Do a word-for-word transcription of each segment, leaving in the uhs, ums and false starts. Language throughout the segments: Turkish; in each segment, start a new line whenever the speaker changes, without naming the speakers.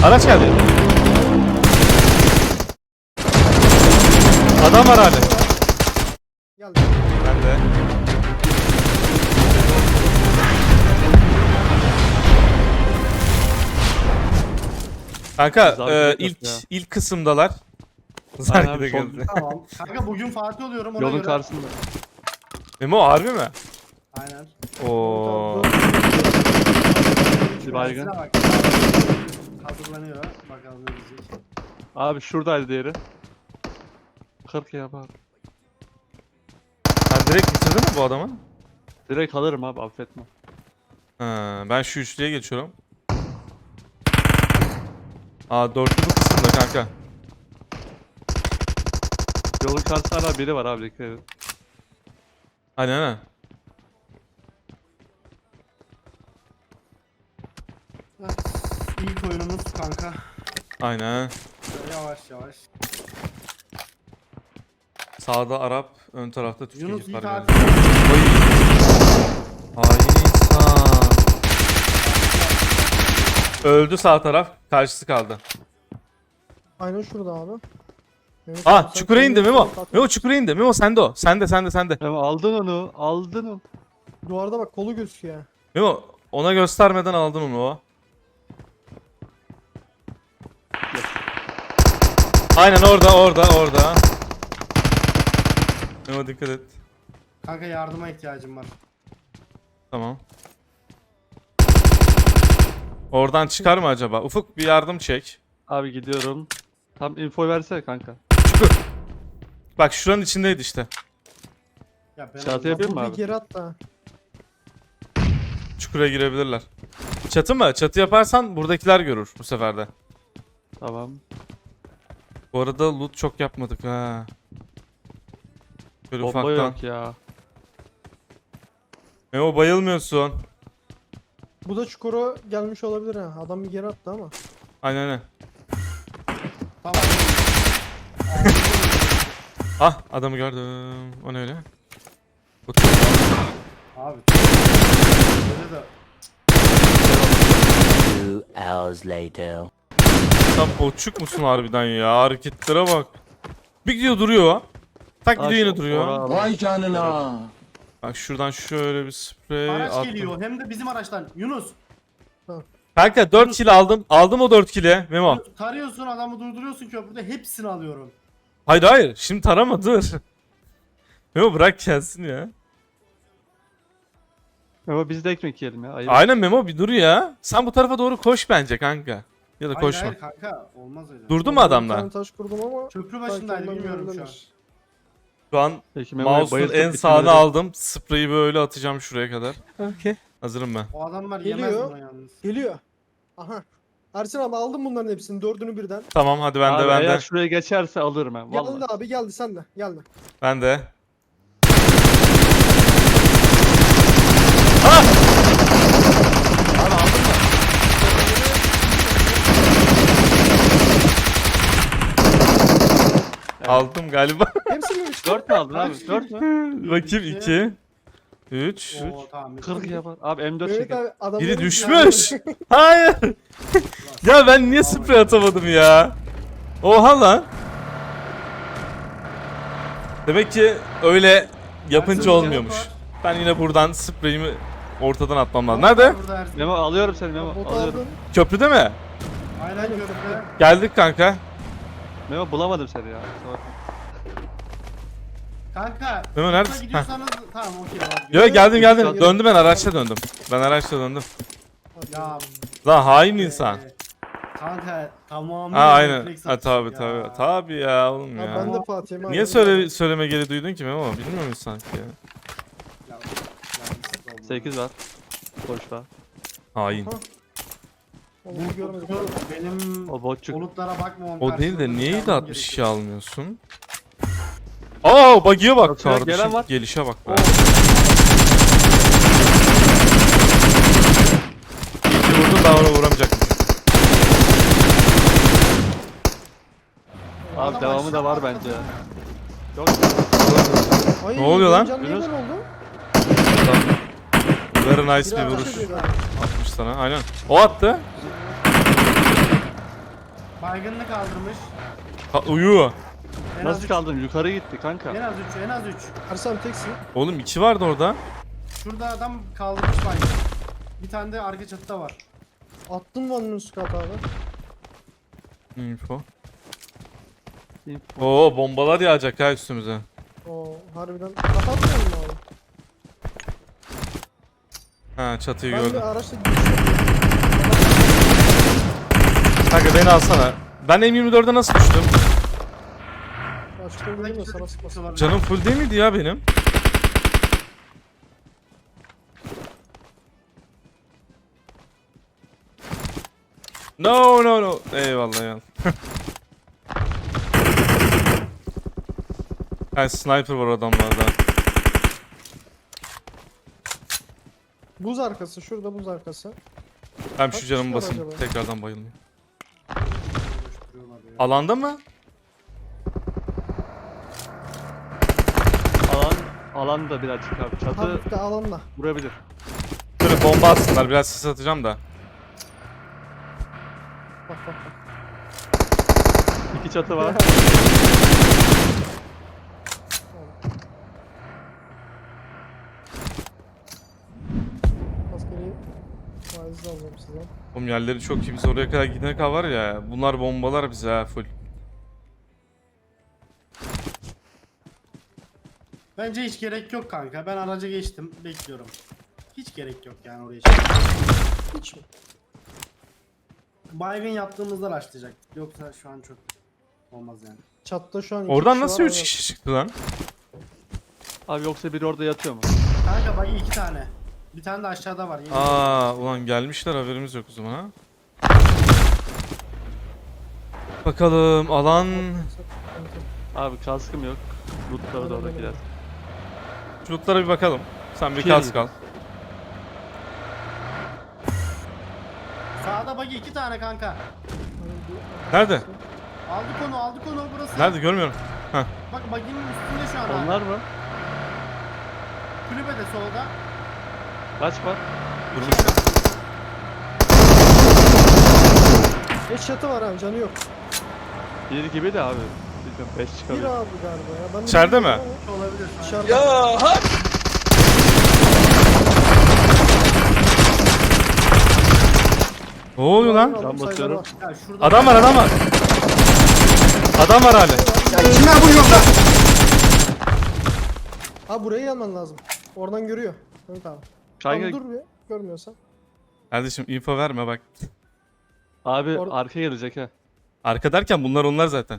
Araç geldi. Adam var abi.
Geldi.
Ben de. Kanka
Zargı
e,
yok
ilk
ya.
ilk kısımdalar.
Aynen
Zargı
abi,
da
son-
geldi.
Tamam. Kanka bugün Fatih oluyorum ona
Yolun
göre.
karşısında.
Memo harbi mi?
Aynen.
Oo.
Bir baygın.
Bak. Hazırlanıyor. Bakalım ne diyecek.
Abi şuradaydı diğeri. kırk ya abi.
Sen direkt bitirdin mi bu adamı?
Direkt alırım abi, affetme.
Ha, ben şu üçlüye geçiyorum. Aa dörtlü bu kısımda kanka.
Yolun karşısında hala biri var abi, dikkat edin.
Aynen aynen.
Evet. İlk oyunumuz kanka.
Aynen.
Şöyle yavaş yavaş.
Sağda Arap, ön tarafta Türk
Yunus
ekip var
iyi
galiba.
tatil.
Oy. Hain insan. Öldü sağ taraf, karşısı kaldı.
Aynen şurada abi. Mehmet
Aa
abi, sen
çukura indi
kendini
Memo.
kapat.
Memo çukura indi. Memo sende o. Sende sende sende.
Ama aldın onu, aldın onu.
Duvarda bak kolu gözüküyor.
Memo ona göstermeden aldın onu o. Aynen orada orada orada. Memo dikkat et.
Kanka yardıma ihtiyacım var.
Tamam. Oradan çıkar mı acaba? Ufuk bir yardım çek.
Abi gidiyorum. Tam info versene kanka.
Çukur. Bak şuranın içindeydi işte.
Ya ben
Çatı yapayım mı abi?
Geri at da.
Çukura girebilirler. Çatı mı? Çatı yaparsan buradakiler görür bu sefer de.
Tamam.
Bu arada loot çok yapmadık ha. Böyle
Bomba
ufaktan.
yok ya.
Memo bayılmıyorsun.
Bu da çukura gelmiş olabilir ha. Adam bir geri attı ama.
Aynen aynen.
Tamam.
Ah adamı gördüm. O ne öyle? Bu-
Abi. Böyle de.
Two hours later.
Sen boçuk musun harbiden ya? Hareketlere bak. Bir gidiyor duruyor. Tak gidiyor yine duruyor.
Vay canına.
Bak şuradan şöyle bir sprey
Araç
attım.
geliyor hem de bizim araçtan. Yunus.
Kanka dört kill aldım. Aldım o dört kill'i Memo.
Tarıyorsun adamı durduruyorsun köprüde hepsini alıyorum.
Hayır hayır. Şimdi tarama dur. Memo bırak gelsin ya.
Ama biz de ekmek yiyelim ya. Ayıp.
Aynen Memo bir dur ya. Sen bu tarafa doğru koş bence kanka. Ya da
Hayır
koşma.
hayır kanka olmaz öyle.
Durdu mu adamlar?
Bir tane taş kurdum ama
Köprü başındaydı bilmiyorum şu an.
Şu an
Peki, Memo'yu
mouse'un
bayıltıp
en sağını
bitirmedim.
aldım. Spreyi böyle atacağım şuraya kadar. Okey. Hazırım ben.
O adamlar
Geliyor.
yemez bunu yalnız.
geliyor. Aha. Ersin abi aldım bunların hepsini dördünü birden.
Tamam hadi ben
Abi
de ben
eğer
de.
şuraya geçerse alırım ben. Vallahi.
Geldi abi geldi sen de geldi.
Ben de. Ah!
Abi aldın mı?
Aldım galiba.
Hepsini mi?
dört mü aldın abi? dört mü?
Bakayım iki. üç.
Oo tamam.
kırk yapar. Abi M dört
Evet
çekin.
abi adamların
Biri
bir
düşmüş.
tane-
Hayır. Ya ben niye sprey atamadım ya? Oha lan. Demek ki öyle yapınca
Ersin,
olmuyormuş.
var.
Ben yine buradan spreyimi ortadan atmam lazım. Nerede?
Burada Ersin.
Memo alıyorum seni Memo.
Botu
Alıyorum.
aldın.
Köprüde mi?
Aynen köprüde.
Geldik kanka.
Memo bulamadım seni ya. Kusura bakma.
Kanka.
Memo
yurtta
neredesin?
gidiyorsanız tamam okey var.
Yo geldim geldim.
Yok.
Döndüm ben araçla döndüm. Ben araçla döndüm.
Ya.
Lan hain insan.
e, Kanka tamamıyla
Ha aynen.
refleks
Ha
atış
tabi
ya.
tabi. Tabi ya oğlum
Ha,
ya.
ben de Fatih'im abi.
Niye söyle söyleme geri duydun ki Memo? Bilmiyor musun sanki ya?
Ya, yanlışlıkla oldu.
sekiz var. Boş var.
Hain.
Onu görmedim.
Bu benim
O botçuk.
bulutlara bakmamam
O değil de
karşılığında
niye
yapmam
de altmış iki
gerekiyor.
almıyorsun? Aa buggy'e bak
Yok, yok,
kardeşim.
gelen var.
Gelişe bak be.
Oo.
İyi ki vurdun daha ona vuramayacakmış.
Abi devamı da var bence ya. Yok.
Ay,
Ne oluyor lan?
Can niye
Yunus.
böyle oldu?
Very nice bir
Biri
vuruş
ateş ediyor.
atmış sana. Aynen. O attı.
Baygınlık kaldırmış.
Ha, uyu.
En az
Nasıl
üç.
kaldın? Yukarı gitti kanka.
En az üç, en az üç.
Ersin abi teksin.
Oğlum iki vardı orada.
Şurada adam kaldırmış baygın. Bir tane de arka çatıda var.
Attın mı onun üst kat abi?
Info.
Info.
Oo bombalar yağacak ha üstümüze.
Oo harbiden. Kapatmayalım mı abi?
Ha çatıyı
Ben
gördüm.
bir araçla giriş yapıyorum.
Kanka beni alsana. Ben M yirmi dörde nasıl düştüm?
Açıkta gördüm de sana sıkmasın.
Canım full değil miydi ya benim? No no no. Eyvallah ya. Ha sniper var adamlarda.
Buz arkası şurada buz arkası.
Ben
Kaç
şu canımı
kişi var
basayım.
acaba?
Tekrardan bayılmayayım. Alanda mı?
Alan alan da birazcık abi. Çatı
Hafif de alanla.
vurabilir.
Böyle bomba atsınlar. Biraz sis atacağım da.
Bak bak bak.
İki çatı var.
Askeri faizli alıyorum size.
Oğlum yerleri çok iyi. Biz oraya kadar gidene kadar var ya. Bunlar bombalar bize ha full.
Bence hiç gerek yok kanka. Ben araca geçtim. Bekliyorum. Hiç gerek yok yani oraya.
Hiç mi?
Baygın yaptığımızda başlayacaktık. Yoksa şu an çok olmaz yani.
Çatta şu an iki
Oradan
kişi
nasıl
var,
üç
evet.
kişi çıktı lan?
Abi yoksa biri orada yatıyor mu?
Kanka bagi iki tane. Bir tane de aşağıda var. Yeni
Aa ulan gelmişler haberimiz yok o zaman ha. Bakalım alan
Abi kaskım yok. Lootları da oradakiler.
şutlara bir bakalım. Sen bir
İkiye
kask al.
Sağda bagi iki tane kanka.
Nerede?
Aldık onu aldık onu burası.
Nerede görmüyorum.
Bak baginin üstünde şu an. ha.
Onlar mı?
Kulübede solda.
Kaç var?
Durmuş.
Beş çatı var abi canı yok.
Bir gibi de abi. Bilmiyorum beş
Bir
çıkabilir.
abi galiba ya. Ben de
İçeride mi?
bilmiyorum ama
Olabilir.
Dışarıda.
Ne oluyor lan?
Aldım,
Can
sayıları
basıyorum.
var.
Ya şurada
Adam var adam var. Adam var hala.
Ha buraya gelmen lazım. Oradan görüyor. Evet abi. Tamam
Kanka
dur bir. Görmüyorsan.
Kardeşim info verme bak.
abi
Or-
arka gelecek ha.
Arka derken bunlar onlar zaten.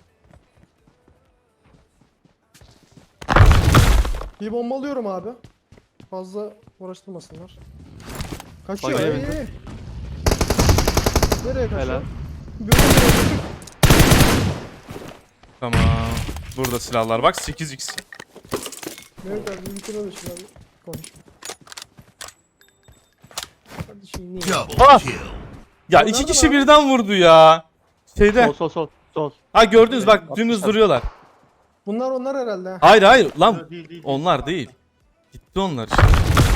Bir bombalıyorum abi. Fazla uğraştırmasınlar. Kaçıyor.
Bak,
Ey,
evet.
ey. Nereye kaçıyor?
Helal.
Böyle nereye?
Tamam. Burada silahlar bak sekiz x.
Mehmet abi bir bitirme de şuna bir konuş. Kardeşim niye?
Ah! Ya
O
iki
nerede
kişi
lan?
birden vurdu ya. Şeyde.
Sol sol sol. Sol.
Ha gördünüz bak dümdüz duruyorlar.
Bunlar onlar herhalde. ha.
Hayır hayır lan.
Değil, değil, değil.
Onlar değil. Gitti onlar işte.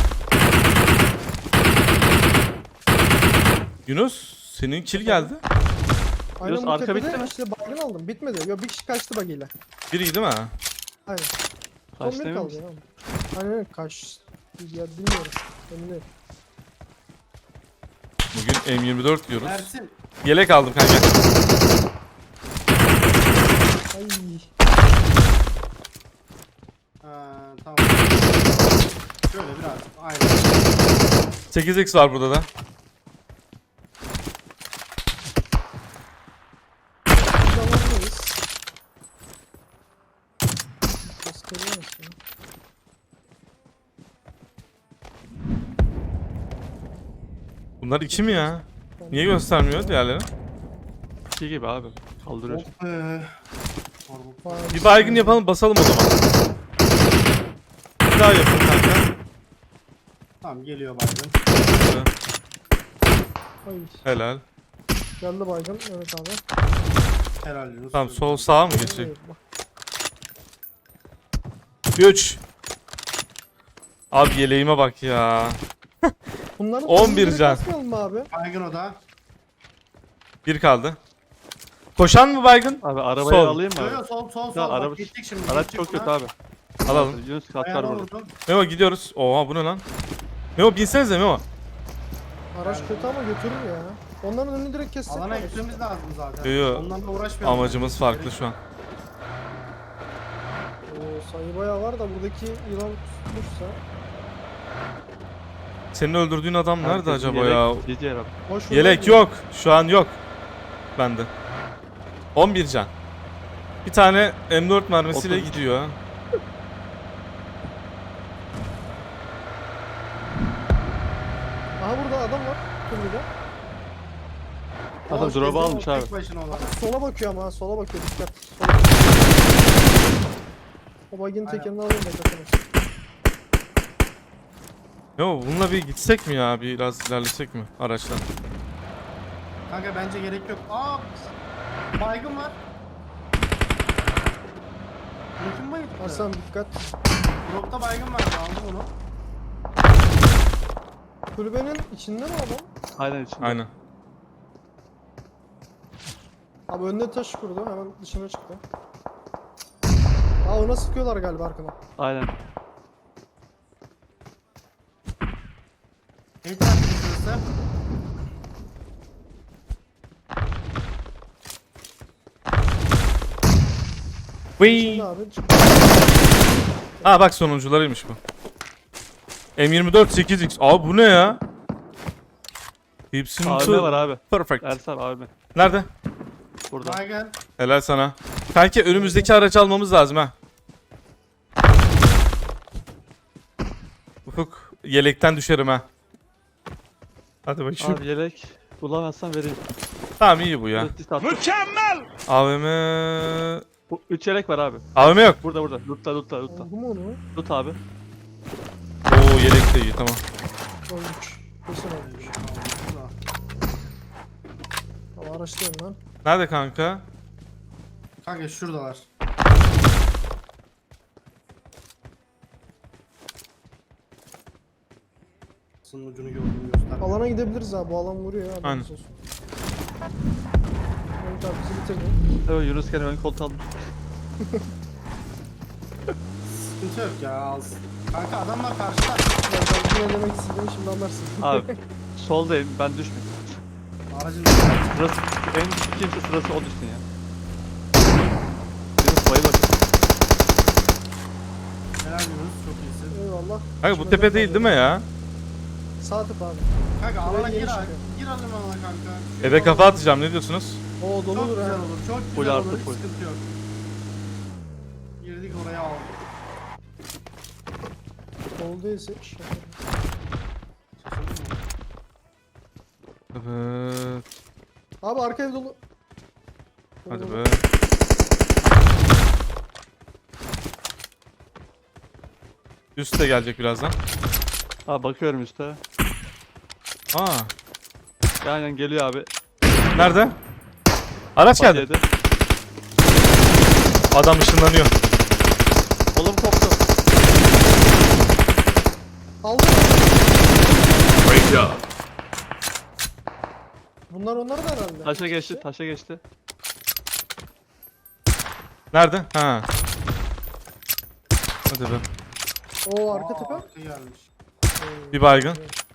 Yunus senin kill geldi.
Aynen
Yunus,
bu
arka
tepede
bitti mi?
işte baygın aldım. Bitmedi. Yok bir kişi kaçtı bagiyle.
Biri değil mi?
Aynen. Son
Kaç
bir
demin
kaldı
misin?
ya. Aynen kaç. Ya bilmiyorum. Emin değilim.
Bugün M yirmi dört diyoruz.
Ersin.
Yelek aldım kanka.
Ay.
Ha, tamam. Şöyle biraz. Aynen.
sekiz x var burada da.
Biz alandayız. Ses geliyor aslında.
Bunlar iki mi ya? Niye göstermiyor diğerleri?
İki gibi abi. Kaldırıyor.
Oh be.
Vay,
Bir baygın yapalım basalım o zaman. Bir daha yapın kanka.
Tamam geliyor baygın.
Ay.
Helal.
Geldi baygın. Evet abi.
Helal Yunus.
Tamam sol sağa mı geçecek?
Evet, bak.
üç. Abi yeleğime bak ya.
Bunların
on bir
sonunu direkt
can.
basmayalım mı abi?
Baygın o da.
Bir kaldı. Koşan mı baygın?
Abi arabayı
Sol.
alayım mı
Yo
abi?
yo sol sol sol.
Ya,
Bak,
araba-
gittik şimdi.
Araç
gittik
çok kötü
buna.
abi.
Alalım.
Yunus kat var
Ayağına
burada.
vurdum.
Memo gidiyoruz. Oha bu ne lan? Memo binsenize Memo.
Araç kötü ama götürür ya. Onların önünü direkt kessek.
Alana
var.
gitmemiz lazım zaten.
Yo, yo.
Onlarla uğraşmayalım.
Amacımız farklı şu an.
Oo, sayı bayağı var da buradaki yılan tutmuşsa.
Senin öldürdüğün adam nerede
Herkesin
acaba
yelek,
ya?
G G abi.
Boş
Yelek
vuruyor.
yok. Şu an yok. Bende. on bir can. Bir tane M dört mermisiyle
Otuz.
gidiyor. ha.
Aha burada adam var. Kulübede.
Adam
Boş
drop'u
gezdim,
almış
o
abi.
tek başına olan.
Sola bakıyor ama ha, sola bakıyor dikkat. Sola. O bagin
Aynen.
tekerini alayım da kaçamaz.
Yo bununla bir gitsek mi ya? Biraz ilerlesek mi araçla?
Kanka bence gerek yok. Aa! Baygın var. Mümkün bayıldı.
Hasan dikkat.
Dropta baygın var. Aldım onu.
Kulübenin içinde mi adam?
Aynen içinde.
Aynen.
Abi önüne taş kurdu hemen dışına çıktı. Aa ona sıkıyorlar galiba arkadan.
Aynen.
Evet arkadaşlar.
Vıy.
Şimdi abi çıktı.
Aa bak sonuncularıymış bu. M yirmi dört sekiz X. Abi bu ne ya? Hepsinin
A V M
tı-
var abi.
Perfect.
Ersan A V M.
Nerede?
Burada.
Baygın.
Helal sana. Kanki önümüzdeki aracı almamız lazım ha. Ufuk yelekten düşerim ha. Hadi bakayım.
Abi yelek bulamazsan vereyim.
Tamam iyi bu ya.
Müthiş attım.
A V M...
Bu üç yelek var abi.
A V M yok.
Burada burada. Lutla lutla lutla.
Oldu mu onu?
Lut abi.
Oo yelek de iyi tamam.
Olmuş. Kesin olmuş. Ama araçtayım lan.
Nerede kanka?
Kanka şuradalar. Sının ucunu gördüm göster.
Alana gidebiliriz abi. Bu alan vuruyor ya.
Aynen.
haberiniz olsun. Mehmet abi bizi bitirdi.
Evet Yunus gene ön koltuğu almış.
Sıkıntı yok ya. Az. Kanka adamlar karşıda.
Ben, ben ne demek istediğimi şimdi anlarsın.
Abi soldayım ben düşmedim.
Aracın
Sırası en düşük kimse sırası o düşsün ya. Yunus bayılır.
helal Yunus çok iyisin.
Eyvallah.
Kanka bu tepe değil değil mi ya?
Sağ tıp abi.
Kanka alana
Buraya
gir
geri
abi.
çıkıyor.
Gir alana kanka.
Eve kafa atacağım ne diyorsunuz?
Oo
Çok
doludur
güzel
ha.
olur. Çok
Full
güzel
artı
olur. Hiç
full.
sıkıntı yok. Girdik oraya aldık.
Dolu değilse iş yaparım.
Evet.
Abi arka ev dolu.
Hadi
Dolu.
be. Üst de gelecek birazdan.
Abi bakıyorum üstte.
Aa.
Aynen geliyor abi.
Nerede? Araç geldi.
Yedi.
Adam ışınlanıyor.
Oğlum koptu.
Aldım. Bunlar onlar da herhalde.
Taşa geçti taşa geçti.
Nerede? Ha. Hadi be.
Oo arka tepe.
Arka gelmiş.
Bir baygın.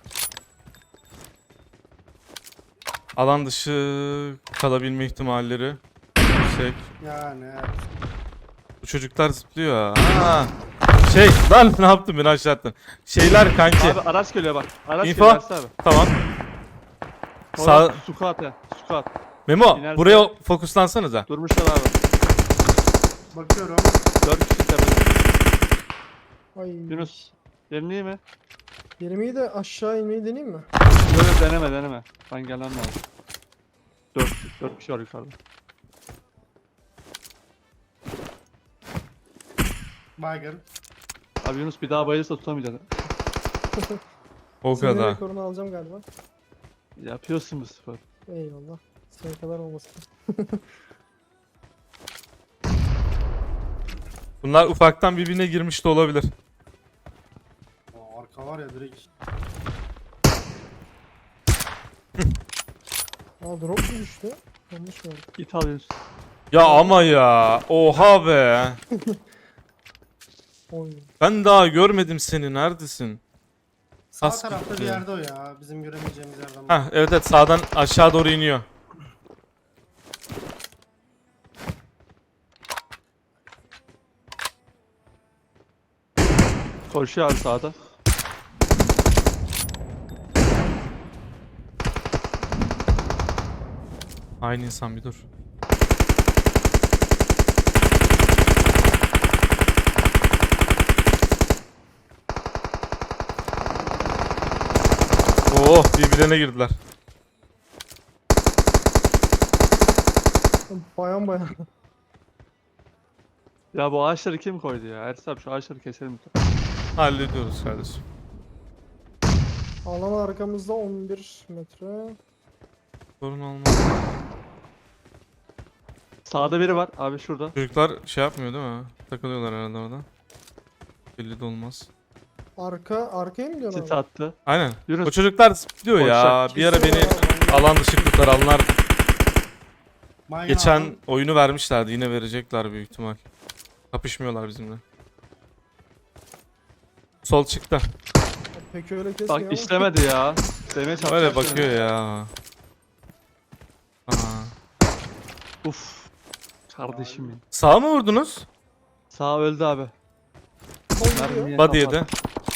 Alan dışı kalabilme ihtimalleri yüksek.
Yani evet.
Bu çocuklar zıplıyor. Ha. Şey lan ne yaptın beni aşağı attın. Şeyler kanki.
Abi araç geliyor bak. Araç
Info.
geliyor Ersan abi.
Tamam. Sağ
Sağ. Sukat ya. Sukat.
Memo
İnerse-
buraya fokuslansanıza.
Durmuşlar abi.
Bakıyorum.
Dört kişi tepede.
Ay.
Yunus. Yerin iyi mi?
Yerimi de aşağı inmeyi deneyeyim mi?
Böyle deneme deneme. Ben gelmem lazım. Dört, dört kişi var yukarıda.
Baygın.
Abi Yunus bir daha bayılırsa tutamayacak.
O
Senin
kadar.
rekorunu alacağım galiba.
Yapıyorsun bu spor.
Eyvallah. Senin kadar olmasın.
Bunlar ufaktan birbirine girmiş de olabilir.
Aa, arka var ya direkt.
Aa drop mu düştü? Yanlış mı?
Git al Yunus.
Ya ama ya. Oha be.
Oy.
Ben daha görmedim seni. Neredesin?
Sağ
Pas
tarafta
gitti.
bir yerde o ya. Bizim göremeyeceğimiz yerden.
Heh, evet evet sağdan aşağı doğru iniyor.
Koşuyor abi sağda.
Aynı insan bir dur. Oh birbirine girdiler.
Bayan bayan.
Ya bu ağaçları kim koydu ya? Ersin abi şu ağaçları keselim.
Hallediyoruz kardeşim.
Alan arkamızda on bir metre.
Sorun olmaz.
Sağda biri var abi şurada.
Çocuklar şey yapmıyor değil mi? Takılıyorlar herhalde orada. Belli de olmaz.
Arka arkaya mı gidiyorsun
Sit
abi?
attı.
Aynen.
Yunus.
O çocuklar diyor ya.
Koşacak.
Bir ara beni alan dışı kurtaranlar
Baygın
geçen
aldım.
oyunu vermişlerdi. Yine verecekler büyük ihtimal. Kapışmıyorlar bizimle. Sol çıktı.
Pek öyle kesmiyor ama.
Bak işlemedi ya. Demeye çalışıyor.
Öyle bakıyor ya. Aa.
Uf. Kardeşim ya.
Sağ mı vurdunuz?
Sağ öldü abi.
Sol gidiyor.
Mermiye
Body'ye
kapat.
de.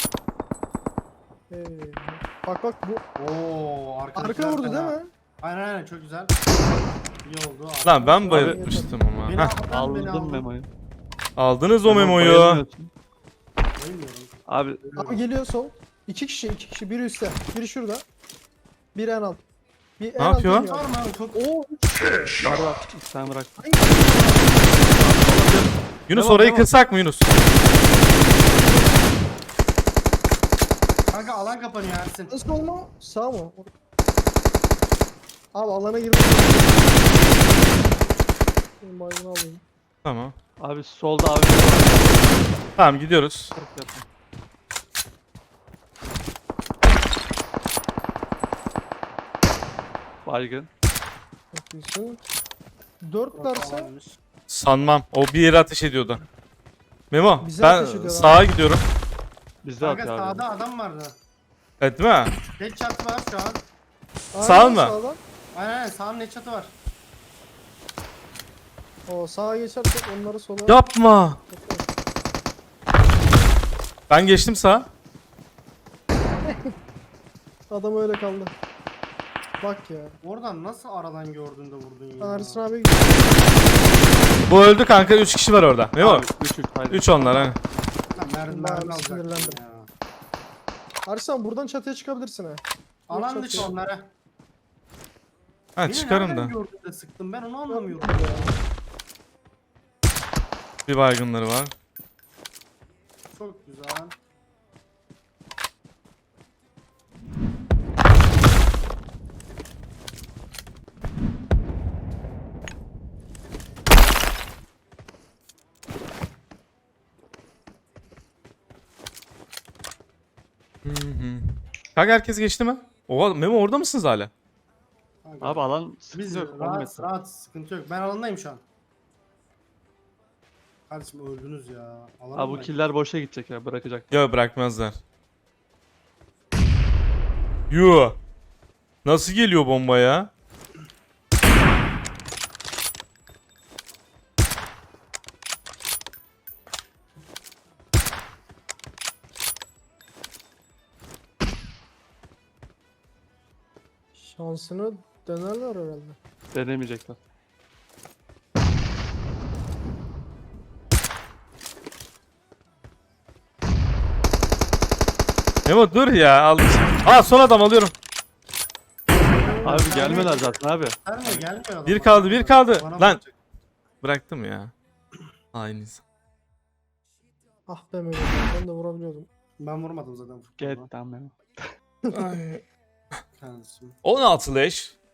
Ee, bak bak bu
Oo, arkadakiler
arka vurdu
fena.
değil mi?
Aynen aynen çok güzel. İyi oldu.
Lan ben
Abi-
bayılmıştım ama.
Beni
Heh,
aldın, beni
Aldım
aldın.
memoyu.
aldınız o
Memo,
memoyu.
bayılmıyorsun.
Bayılmıyorum.
Abi
Abi geliyor sol. İki kişi iki kişi biri üstte. Biri şurada. Biri en alt. Bir en alt
yapıyor?
iniyor
Var
abi.
mı abi? Çok
Oo üç kişi.
var var. Sen bırak.
Yunus
Devam,
orayı
devam.
kırsak mı Yunus?
kanka alan kapanıyor Ersin.
Nasıl olma? Sağ mı? Abi alana girdim. Benim baygını alayım.
Tamam.
Abi solda abi. biri var.
Tamam gidiyoruz.
Çok yakın. Baygın.
Çok iyisin. Dört derse
Alanmış.
Sanmam. O bir yere ateş ediyordu. Memo
Bize
ben
ateş ediyor
sağa gidiyorum.
Bizde
Kanka
atıyor abi.
sağda adam vardı.
Evet değil mi?
Tek çatı var şu an.
Sağ
Aynen,
mı?
Sağdan.
Aynen aynen sağın ne çatı var.
O sağa geçersek onları sola.
Yapma. Ben geçtim sağa.
Adam öyle kaldı. Bak ya.
Oradan nasıl aradan gördün de vurdun ya.
Ersin abi gidiyor.
Bu öldü kanka. üç kişi var orada. Memo.
Abi, üç üç haydi.
üç onlar ha.
Lan mermi
Ben
mermi
sinirlendim.
alacaktım ya.
Ersin buradan çatıya çıkabilirsin ha.
Alan
Çok
dışı
iyi.
onlara.
Ha
Beni
çıkarım
nereden
da.
gördün de sıktım ben onu anlamıyorum.
Bir baygınları var.
Çok güzel.
Hı hı. Kanka herkes geçti mi? Oha Memo orada mısınız hala?
Kanka,
Abi alan
biz
sıkıntı yok. on
rahat
metre.
rahat sıkıntı yok. Ben alandayım şu an. Kardeşim öldünüz ya. Alan
Abi bu killer boşa gidecek ya bırakacak.
Ya bırakmazlar. Yoo. Nasıl geliyor bomba ya?
Şansını denerler herhalde.
Denemeyecekler.
Memo dur ya al. Aa son adam alıyorum.
Abi gelmiyorlar zaten abi.
Gelmiyor gelmiyor adam.
Bir kaldı, bir kaldı.
Bana
Lan.
bakacak.
Bıraktım ya. Aynı insan.
Ah be Mehmet ben de vurabiliyordum.
Ben vurmadım zaten.
Get down Memo.
Kardeşim.
on altı leş.